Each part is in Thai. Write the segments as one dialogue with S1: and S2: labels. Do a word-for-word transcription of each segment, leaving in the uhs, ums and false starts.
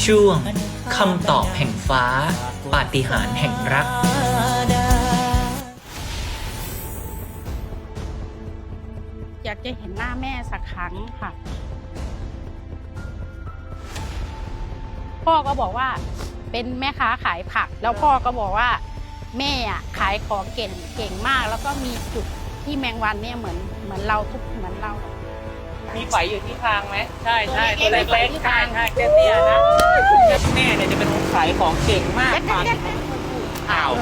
S1: ช่วงคำตอบแห่งฟ้าปาฏิหาริย์แห่งรัก
S2: อยากจะเห็นหน้าแม่สักครั้งค่ะพ่อก็บอกว่าเป็นแม่ค้าขายผักแล้วพ่อก็บอกว่าแม่อ่ะขายของเก่งเก่งมากแล้วก็มีจุดที่แมงวันเนี่ยเหมือนเหมือนเราทุกเหมือนเรา
S3: มีไฝอยู่ที่คางไหมใช่ใช่ตัวเล็กๆใช่ใช่เตี้ยๆนะแม่เนี่ยจะเป็นคนขายของเก่งมากค่ะอ้าว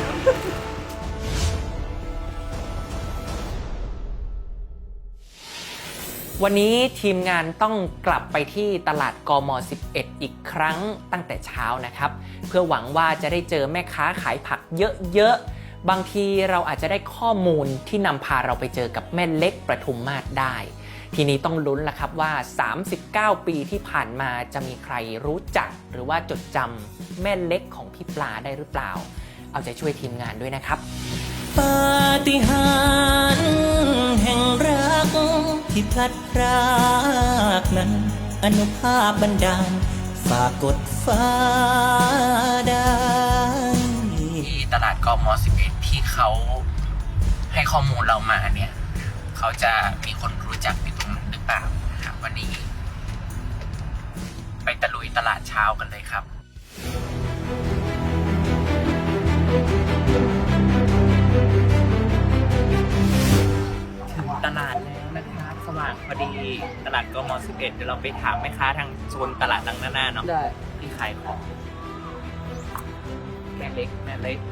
S3: วันนี้ทีมงานต้องกลับไปที่ตลาดกมสิบเอ็ดอีกครั้งตั้งแต่เช้านะครับเพื่อหวังว่าจะได้เจอแม่ค้าขายผักเยอะๆบางทีเราอาจจะได้ข้อมูลที่นำพาเราไปเจอกับแม่เล็กประทุมมาศได้ทีนี้ต้องลุ้นละครับว่าสามสิบเก้าปีที่ผ่านมาจะมีใครรู้จักหรือว่าจดจำแม่เล็กของพี่ปลาได้หรือเปล่าเอาใจช่วยทีมงานด้วยนะครับ
S1: ปาฏิหาริย์แห่งรักที่พลัดพรากนั้นอนุภาพบันดาลฝากกดฟ้าได้ที่ตลาดกมสิบเอ็ดที่เขาให้ข้อมูลเรามาเนี่ยเขาจะมีคนรู้จักอยู่ตรงนั้นหรือเปล่าครับวันนี้ไปตะลุยตลาดเช้ากันเลยครับถึงตลาดแล้วนะครับสว่างพอดีตลาดกมสิบเอ็ดเดี๋ยวเราไปถามแม่ค้าทางโซนตลาดดังหน้าๆเนาะที่ขายของแม่เล็กแม่เล็ก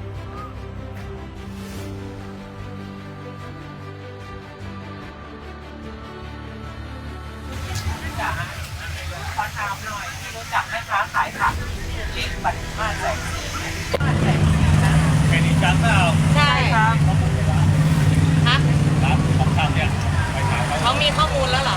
S1: ขอถามหน่อยที่รู้จักแม่ค้าขายผักเล็กปัดมาแสงสีมาแสงสีนะแค่นี้จังเปล่า
S2: ใช่
S1: ครับ
S2: ฮะ
S1: ครับของทำเนี่ยไปถามเขา
S2: เขามีข้อมูลแล้วเหรอ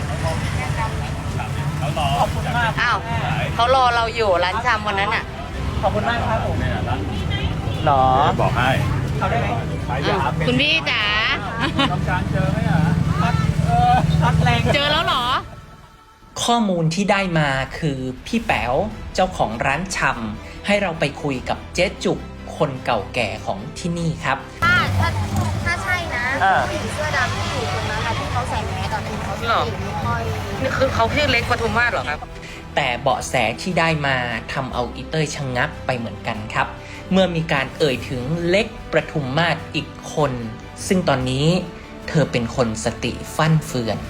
S1: เขารอ
S3: ขอบคุณมาก
S2: อ้าวเขารอเราอยู่ร้านชำวันนั้นอ่ะ
S3: ขอบคุณมากครับผม
S1: หรอ
S4: บอกให้
S3: เขาได้ไหม
S2: คุณพี่จ๋า
S4: ต้องการเจอไหมอ่ะ
S3: เออช็อตแรง
S2: เจอแล้วเหรอ
S1: ข้อมูลที่ได้มาคือพี่แป๋วเจ้าของร้านชำให้เราไปคุยกับเจ๊จุกคนเก่าแก่ของที่นี่ครับ
S5: ถ้าถ้าถ้าใช่นะผู้หญิงเสื้อดำที่อยู่ตรงนั้นนะที่เขาใส่แมสตอนนี้เขาชื่อไม่ค่อย
S2: นี่คือเขาชื่อเล็กปทุมมาศเหรอครับ
S1: แต่เบาะแสที่ได้มาทำเอาอีเต้ยชะงักไปเหมือนกันครับเมื่อมีการเอ่ยถึงเล็กประทุมมาศอีกคนซึ่งตอนนี้เธอเป็นคนสติฟั่นเฟือน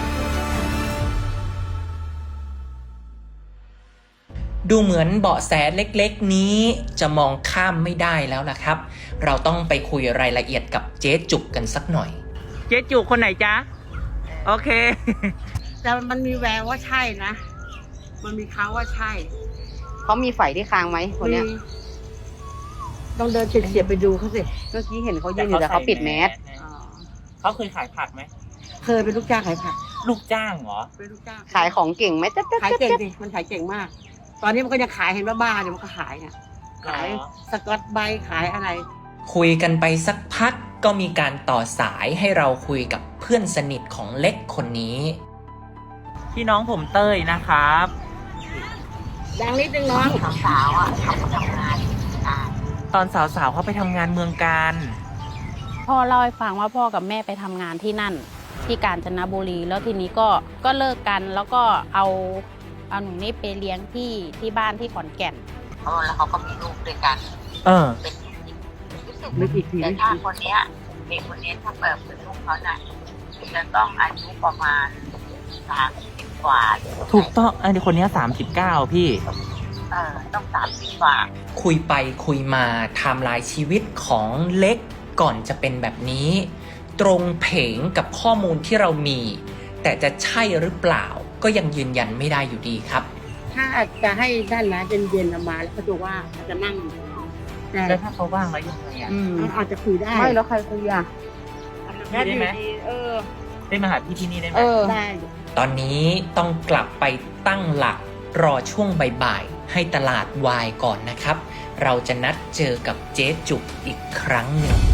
S1: ดูเหมือนเบาะแสเล็กๆนี้จะมองข้ามไม่ได้แล้วล่ะครับเราต้องไปคุยรายละเอียดกับเจ๊จุกกันสักหน่อย
S3: เจ๊จุกคนไหนจ๊ะโอเค
S2: แต่มันมีแววว่าใช่นะมันมีเขาว่าใช่
S5: เขามีไฝที่คางไหมคนเนี้ยต้องเดินเฉียบๆไปดูเขาสิเมื่อกี้เห็นเขายืนอยู่แต่เขาปิดแมส
S3: เขาเคยขายผักไหม
S5: เคยเป็นลูกจ้างขายผัก
S3: ลูกจ้างเหรอ
S5: เป็นลูกจ้างขายของเก่งไหม
S2: ขายเก่งดิมันขายเก่งมากตอนนี้มันก็ยังขายเห็นว่าบ้าเนี่ยมันก็ขายเนี่ยขายสกอตไบรท์ขายอะไร
S1: คุยกันไปสักพักก็มีการต่อสายให้เราคุยกับเพื่อนสนิทของเล็กคนนี้
S3: พี่น้องผมเต้ยนะครับ
S2: ดังนิดนึงน้อง
S5: สาวๆอ่ะเขาทำงาน
S3: ตอนสาวๆเขาไปทำงานเมืองการ
S2: พ่อเล่าให้ฟังว่าพ่อกับแม่ไปทำงานที่นั่นที่กาญจนบุรีแล้วทีนี้ก็ก็เลิกกันแล้วก็เอาเอาหนูนี่ไปเลี้ยงที่ที่บ้านที่ขอนแก่น
S5: อ๋อแล้วเขาก็มีลูกด้วยกัน
S3: เออ
S5: เป็นรู้สึกแต่ถ้าคนเนี้ยเด็กคนนี้ถ้าเปิดเป็นลูกเขาน่ะจะต้องอายุประมาณสามสิบกว่า
S3: ถูกต้องไอ้คนนี้สามสิบเก้าพี่
S5: เออต้องสามสิบกว่า
S1: คุยไปคุยมาไทม์ไลน์ชีวิตของเล็กก่อนจะเป็นแบบนี้ตรงเผงกับข้อมูลที่เรามีแต่จะใช่หรือเปล่าก็ยังยืนยันไม่ได้อยู่ดีครับ
S2: ถ้าจะให้ด้านร้านเย็นๆมาแล้วเขาจะว่าจะนั่ง
S3: แต่ถ้าเขาว่างแล้วยังไงอ่ะ
S2: อาจจะคุยได้
S5: ไม่แล้วใครคุยอ่ะ
S3: ได้ไหม
S2: เออ
S3: ได้มาหาพี่ที่นี่ได้ไหม
S2: ได้
S1: ตอนนี้ต้องกลับไปตั้งหลักรอช่วงบ่ายๆให้ตลาดวายก่อนนะครับเราจะนัดเจอกับเจ๊จุกอีกครั้งหนึ่ง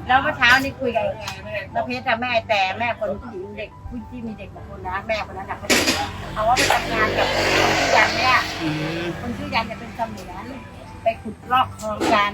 S6: แล้วเมื่อเช้านี่คุยกับน้าเพชรอะแม่แต่แม่คนผู้หญิงเด็กผู้ที่มีเด็กบางคนนะแม่คนนั้นอะเขาเขาว่าไปทำงานกับคนชื่อยันเนี่ยคนชื่อยันจะเป็นเสมียนไปขุดลอกคลองกัน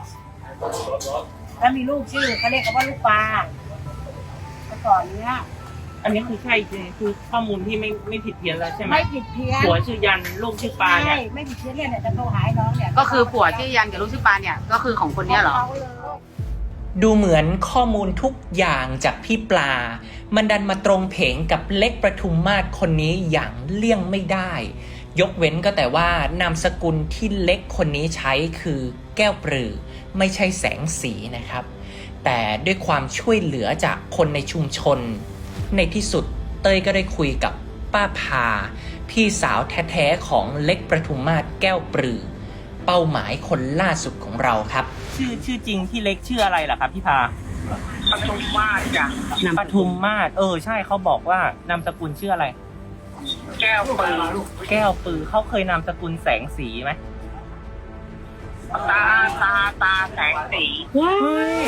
S6: แล้วมีลูกชื่อเขาเรียกกันว่าลูกปลาเมื่อก่อนเนี้ย
S7: อันนี้คือใช่จริงคือข้อมูลที่ไม่ไม่ผิดเพี้ยนแล้วใช่ไหม
S6: ไม่ผิดเพี้ยน
S7: ผัวชื่อยันลูกชื่อปลาเนี่ย
S6: ใช่ไม่ผิดเพี้ยนเนี่ยเนี่ยจะโทรหาน้องเนี่ย
S8: ก็คือผัวชื่อยันกับลูกชื่อปานเนี่ยก็คือของคนเนี้ยเหรอ
S6: ขาเลย
S3: ดูเหมือนข้อมูลทุกอย่างจากพี่ปลา มันดันมาตรงเพงกับเล็กประทุมมาศคนนี้อย่างเลี่ยงไม่ได้ ยกเว้นก็แต่ว่านามสกุลที่เล็กคนนี้ใช้คือแก้วปรือไม่ใช่แสงสีนะครับ แต่ด้วยความช่วยเหลือจากคนในชุมชน ในที่สุดเต้ยก็ได้คุยกับป้าพา พี่สาวแท้ๆของเล็กประทุมมาศแก้วปรือ เป้าหมายคนล่าสุดของเราครับ
S7: ชื่อชื่อจริงพี่เล็กชื่ออะไรล่ะครับพี่พา
S5: ปทุมมาศจ้ะ
S7: ปทุมมาศเออใช่เขาบอกว่านามสกุลชื่ออะไร
S5: แก้วปืน
S7: แก้วปือเขาเคยนามสกุลแสงสีไหม
S5: ตาตาตาแสงสี
S7: เฮ้ย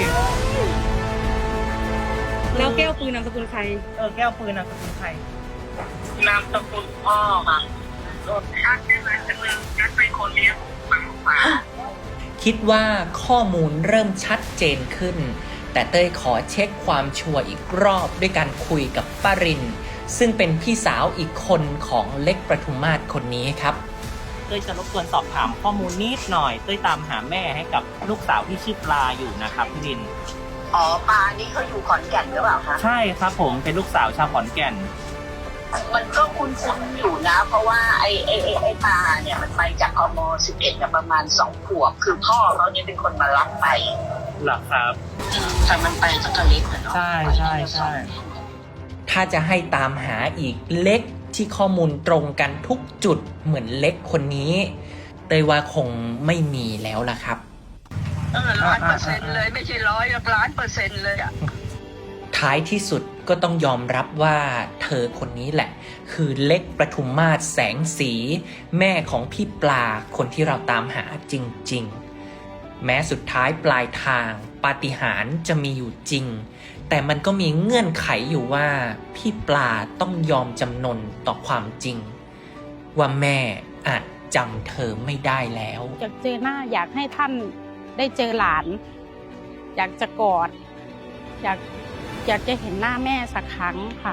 S8: แล้วแก้วปืนนามสกุลใคร
S7: เออแก้วปืนนามสกุลใคร
S5: นามสกุลพ่อค่ะรถชักได้ไหมจะเมืองชักเป็นคนเลี้ยงหมาหมา
S3: คิดว่าข้อมูลเริ่มชัดเจนขึ้น แต่เต้ยขอเช็คความชัวร์อีกรอบด้วยการคุยกับป้าริน ซึ่งเป็นพี่สาวอีกคนของเล็กประทุมมาศคนนี้ครับ
S7: เต้ยจะรบกวนสอบถามข้อมูลนิดหน่อยเต้ยตามหาแม่ให้กับลูกสาวที่ชื่อปลาอยู่นะครับพี่ริน
S5: อ๋อปลานี่เขาอยู่ขอนแก่นหรือเปล่าคะ
S7: ใช่ครับผมเป็นลูกสาวชาวขอนแก่น
S5: มันก็คุ้นๆอยู่นะ เพราะว่าไอ้ไอ้ไอ้ไอ้ปลาเนี่ยมันไปจากกมสิบเอ็ดกับประมาณสองขวบคือพ่อเขาเนี่ยเป็นคนมารับไป
S7: หลักครับ
S5: แต่มันไปตั้งแต่เล็กเหรอเนาะ
S7: ใช่ใช่ใช่
S3: ถ้าจะให้ตามหาอีกเล็กที่ข้อมูลตรงกันทุกจุดเหมือนเล็กคนนี้เต้ยว่าคงไม่มีแล้วล่ะครับ
S5: เออล้านเปอร์เซ็นต์เลยไม่ใช่ร้อยล้านเปอร์เซ็นต์เลยอ่ะ
S3: ท้ายที่สุดก็ต้องยอมรับว่าเธอคนนี้แหละ คือเล็กประทุมมาศแสงสี แม่ของพี่ปลาคนที่เราตามหาจริงๆ แม้สุดท้ายปลายทางปาฏิหาริย์จะมีอยู่จริง แต่มันก็มีเงื่อนไขอยู่ว่าพี่ปลาต้องยอมจำนนต่อความจริง ว่าแม่อาจจำเธอไม่ได้แล้ว
S2: อยากเจอหน้าอยากให้ท่านได้เจอหลาน อยากจะกอด อยากอยากจะเห็นหน้าแม่สักครั้งค่ะ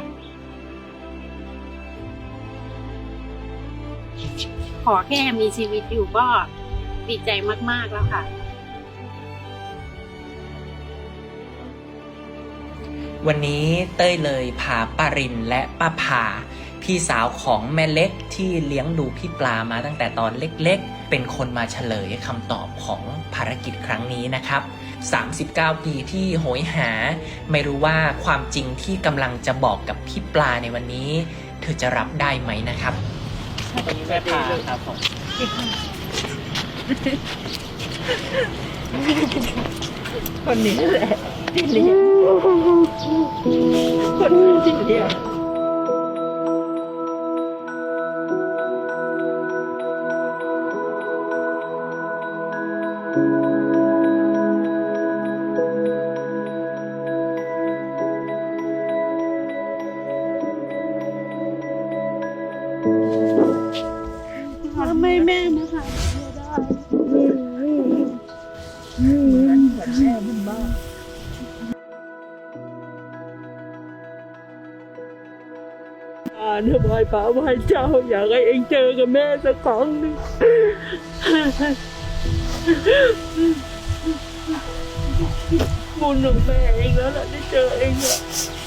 S2: ขอแค่มีชีวิตอยู่ก็ดีใจมากๆแล้วค่ะ
S3: วันนี้เต้ยเลยพาป้ารินและป้าพาพี่สาวของแม่เล็กที่เลี้ยงดูพี่ปลามาตั้งแต่ตอนเล็กๆเป็นคนมาเฉลยคำตอบของภารกิจครั้งนี้นะครับสามสิบเก้าปีที่โหยหาไม่รู้ว่าความจริงที่กำลังจะบอกกับพี่ปลาในวันนี้เธอจะรับได้ไหมนะครับ
S7: วันนี้แม่พาครับผม
S6: คนนี้แหละที่เลี้ยงคนที่เลี้ยง
S2: ทำไมแม่มาหาไม่ได้
S6: อ่าเนี่ยไหว้พระไหว้เจ้าอยากให้เองเจอกับแม่สักครั้งหนึ่งบุญของแม่เองแล้วล่ะได้เจอเองอะ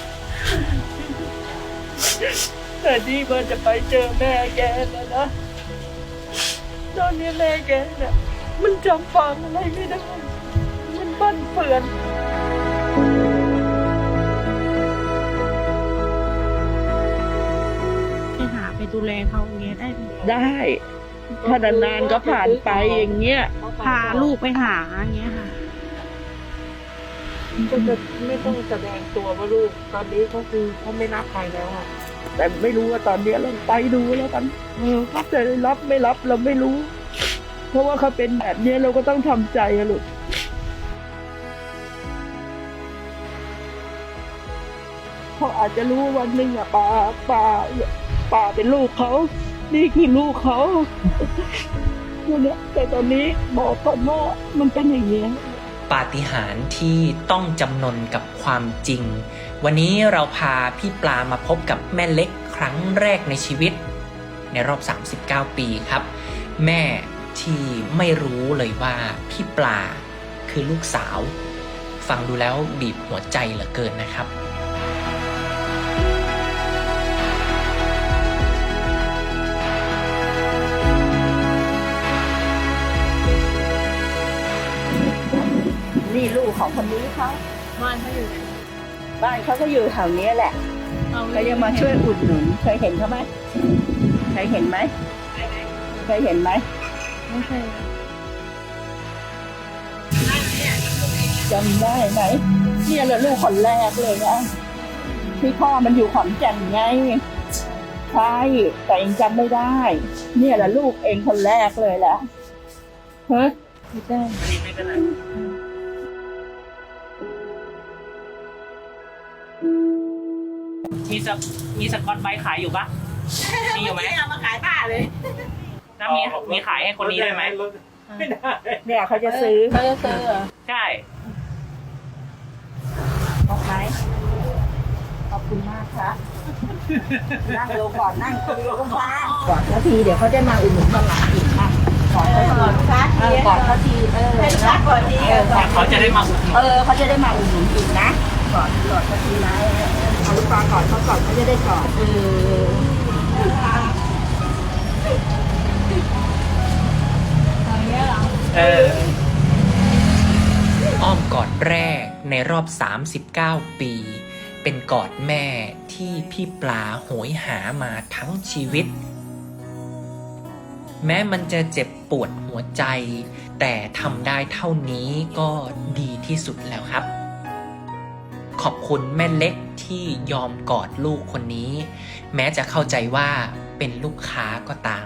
S6: แต่นี่มันจะไปเจอแม่แกแล้วนะตอนนี้แม่แกเนี่ยมันจำฟังอะไรไม่ได้มันบั่นเปื่อน
S2: ไปหาไปดูแลเขาอย่างเงี้ยได้ไหม
S6: ได้ถ้านานๆก็ผ่านไปอย่างเงี้ย
S2: พาลูกไปหาอย่างเงี้ยค่ะ
S6: ก็จะไม่ต้องแสดงตัวว่าลูกตอนนี้เขาคือเขาไม่รับใครแล้วอะแต่ไม่รู้ว่าตอนนี้เราไปดูแล้วกันเออเขาจะรับไม่รับเราไม่รู้ เพราะว่าเขาเป็นแบบนี้เราก็ต้องทำใจอะลูก
S9: เขาอาจจะรู้วันหนึ่งอะป่าป่าป่าเป็นลูกเขานี่คือลูกเขาเนี่ยแต่ตอนนี้บอกก่อนว่ามันเป็นอย่างนี้
S3: ปาฏิหาริย์ที่ต้องจำนนกับความจริง วันนี้เราพาพี่ปลามาพบกับแม่เล็กครั้งแรกในชีวิตในรอบสามสิบเก้าปีครับแม่ที่ไม่รู้เลยว่าพี่ปลาคือลูกสาวฟังดูแล้วบีบหัวใจเหลือเกินนะครับ
S6: นี่ลูกของคนนี้เขาบ้านเขาอยู่บ้านเขาก็อยู่แถวนี้แหละเขาจะมาช่วยอุดหนุนเคยเห็นเขาไหมเคยเห็นไหมเคยเห็นไหมไม่เคยจำได้ไหมเนี่ยแหละลูกคนแรกเลยนะที่พ่อมันอยู่ขอนแก่นไงใช่แต่เองจำไม่ได้เนี่ยแหละลูกเองคนแรกเลยแหละเฮ้ยไม่ได้
S7: มีสมีสกอตไบรท์ขายอยู่ปะมีอยู่ไหม
S6: เอามาขายผ้าเลย
S7: แล้วมีมีขายให้คนนี้ด้วยไหม
S4: ไม่ได้
S6: เนี่ยเขาจะซื้อ
S2: เขาจะซื้อเหรอ
S7: ใช่
S6: ออกไหมขอบคุณมากครับนั่งลงก่อนนั่งคุยกันบ้างก่อนนาทีเดี๋ยวเขาจะมาอุดหนุนตลาดอีกนะก่อนเขาทีก่อนเขาทีเออนะก่อนทีเออ
S7: เขาจะได้มาอุดหนุน
S6: เออเขาจะได้มาอุดหนุนอีกนะก่อนก่อนเขาทีนะเอาลูกปลาก่อนเขาก่อนเขาจะได้ก่อนเออ
S7: เออ
S3: อ้อมกอดแรกในรอบสามสิบเก้าปี เป็นกอดแม่ที่พี่ปลาโหยหามาทั้งชีวิต แม้มันจะเจ็บปวดหัวใจ แต่ทำได้เท่านี้ก็ดีที่สุดแล้วครับ ขอบคุณแม่เล็กที่ยอมกอดลูกคนนี้ แม้จะเข้าใจว่าเป็นลูกค้าก็ตาม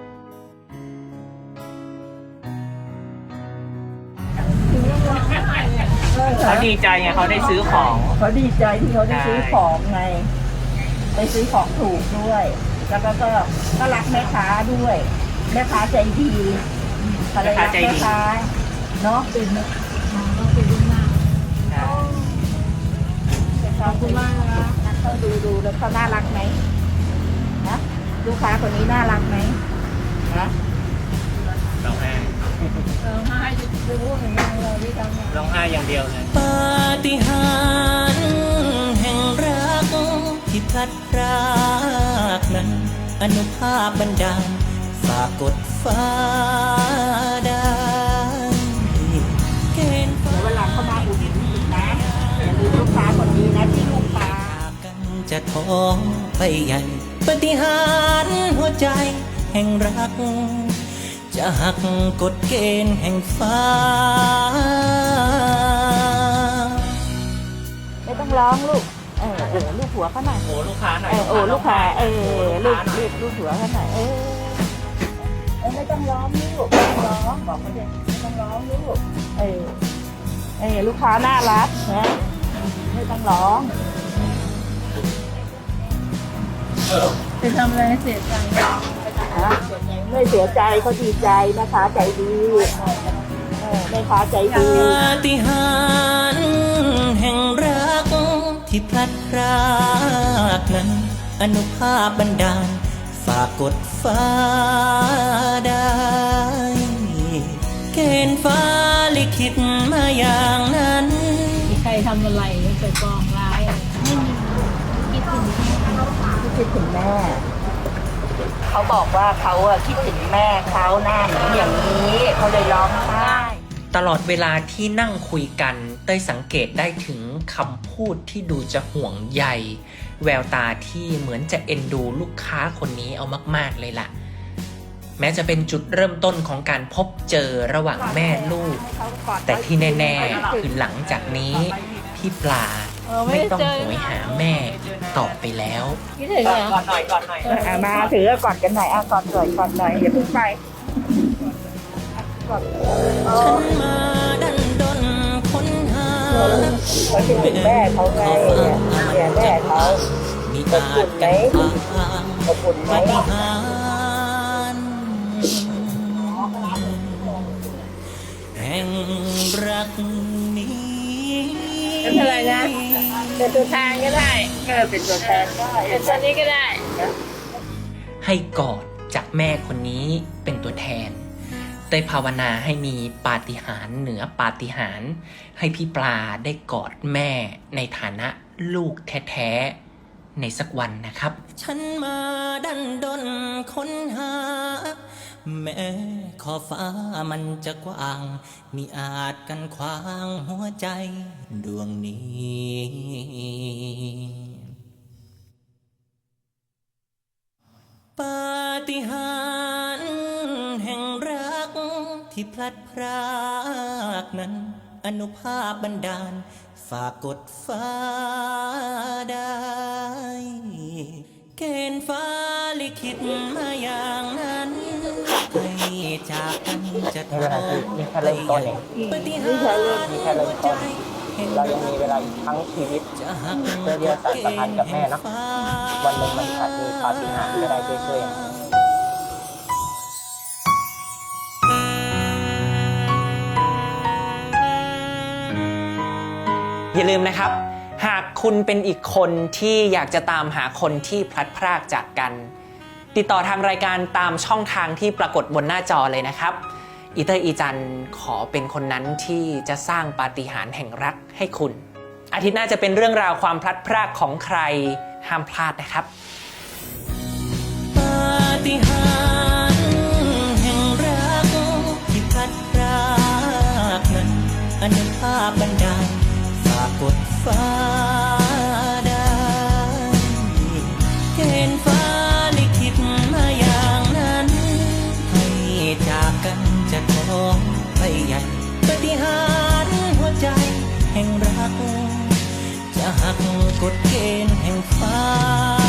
S7: เขาดีใจไงเขาได้ซื้อของ
S6: เขาดีใจที่เขาได้ซื้อของไงไปซื้อของถูกด้วย แล้วก็ก็ก็รักแม่ค้าด้วยแม่ค้าใจดีภรรยาแม่ค้าเนาะเป็นก็เป็นลูกมากขอบคุณมากนะเขาดูดูแล้วเขาน่ารักไหมนะลูกค้าคนนี้น่ารักไหมนะ
S7: ร้องไห้
S6: ร้องไห้จะรู้อย่างไรเราที่ทำงาน
S7: ร้องไห้อย่างเดียวเลย
S1: ปาฏิหาริย์แห่งรักที่พลัดพรากนั้นอนุภาพบันดาลฝากกดฟ้าได้เกณฑ์ฟ้า
S6: เวลาเขามาอุดหนุนอีกนะอย่าลืมลูกค้าคนนี้นะที่ลูกค้า
S1: กันจะท้องไปใหญ่ปาฏิหาริย์หัวใจแห่งรัก จะหักกฎเกณฑ์แห่งฟ้า
S6: ไม่ต้องร้องลูก เออเออลูกหัวเขาหน่อย
S7: โอ้ลูกค้าหน่อย
S6: เออโอ้ลูกค้าเออลูก
S7: หน่อย
S6: ลูกลูกหัวเขาหน่อยเออเออไม่ต้องร้องลูกไม่ต้องร้องบอกเขาเด็ไม่ต้องร้องลูกเออเออลูกค้าน่ารักนะไม่ต้องร้องจะทำอะไรเสียใจไม่เสียใจเขาดีใจนะคะใจดีเออแม่ค้าใจดี
S1: ปาฏิหาริย์แห่งรักที่พลัดพรากนั้นอนุภาพบันดาลฝากกดฟ้าได้เกณฑ์ฟ้าลิขิตมาอย่างนั้น
S2: มีใครทำอะไรไปปองร้ายอะไรไม่มีคิดถึง
S6: คิดถึงแม่ เขาบอกว่าเขาอะคิดถึงแม่เขาหน้าเหมือนอย่างนี้เขาเลยร้องไห้
S3: ตลอดเวลาที่นั่งคุยกันเต้ยสังเกตได้ถึงคำพูดที่ดูจะห่วงใยแววตาที่เหมือนจะเอ็นดูลูกค้าคนนี้เอามากๆเลยล่ะ แม้จะเป็นจุดเริ่มต้นของการพบเจอระหว่างแม่ลูก แต่ที่แน่ๆคือหลังจากนี้พี่ปลาไม่ต้องโหยหาแม่ต่อไปแล้ว
S2: คิดถึงเหรอ
S7: ก่อนหน่อยก่อนหน่อย
S6: อ่ะมาถือกอดกันหน่อยอ่ะกอดหน่อยกอดหน่อยอย่าเพิ่งไปกอด
S1: ฉันมาดันดนค้นหา
S6: เขาคิดถึงแม่เขาไงเนี่ยเนี่ยแม่เขา
S1: มีอาจกันทาง
S6: ขอบคุณไหม
S1: ปาฏิหาริย์แห่งรักนี้
S6: ไม่เป็นไรนะเป็นตัวแทนก็ได้เออเป็นตัวแทนได้เป็นตัวนี้ก็ได้
S3: ให้กอดจากแม่คนนี้เป็นตัวแทนเต้ยภาวนาให้มีปาฏิหาริย์เหนือปาฏิหาริย์ให้พี่ปลาได้กอดแม่ในฐานะลูกแท้ๆในสักวันนะครับ
S1: ฉันมาดันดนค้นหา แม้ขอบฟ้ามันจะกว้างมิอาจกันขวางหัวใจดวงนี้ ปาฏิหาริย์แห่งรักที่พลัดพรากนั้นอนุภาพบันดาลฝากกดฟ้าได้เกณฑ์ฟ้าลิขิตมาอย่างนั้นให้จากกันจะทอ
S7: นี่แค่เริ่มต้นเอง
S1: ปาฏิหาริย์
S7: นี่แค่เริ่มต้น เรายังมีเวลาอีกทั้งชีวิต
S1: จะหัก
S7: เพื่อที่จะสานสัมพันธ์กับแม่นะวันหนึ่งมันอาจมีปาฏิหาริย์ก็ได้ช่วยๆ
S3: อย่าลืมนะครับ หากคุณเป็นอีกคนที่อยากจะตามหาคนที่พลัดพรากจากกัน ติดต่อทางรายการตามช่องทางที่ปรากฏบนหน้าจอเลยนะครับอีเตอร์อีจันขอเป็นคนนั้นที่จะสร้างปาฏิหาริย์แห่งรักให้คุณ อาทิตย์หน้าจะเป็นเรื่องราวความพลัดพรากของใครห้ามพลาดนะครับ
S1: ปาฏิหาริย์แห่งรักที่พลัดพรากนั้นอนุภาพบันดาลฝากกดฟ้าได้เกณฑ์ฟ้าลิขิตมาอย่างนั้นให้จากกันจะท้องไปใหญ่ปาฏิหาริย์หัวใจแห่งรักจะหักกฎเกณฑ์แห่งฟ้า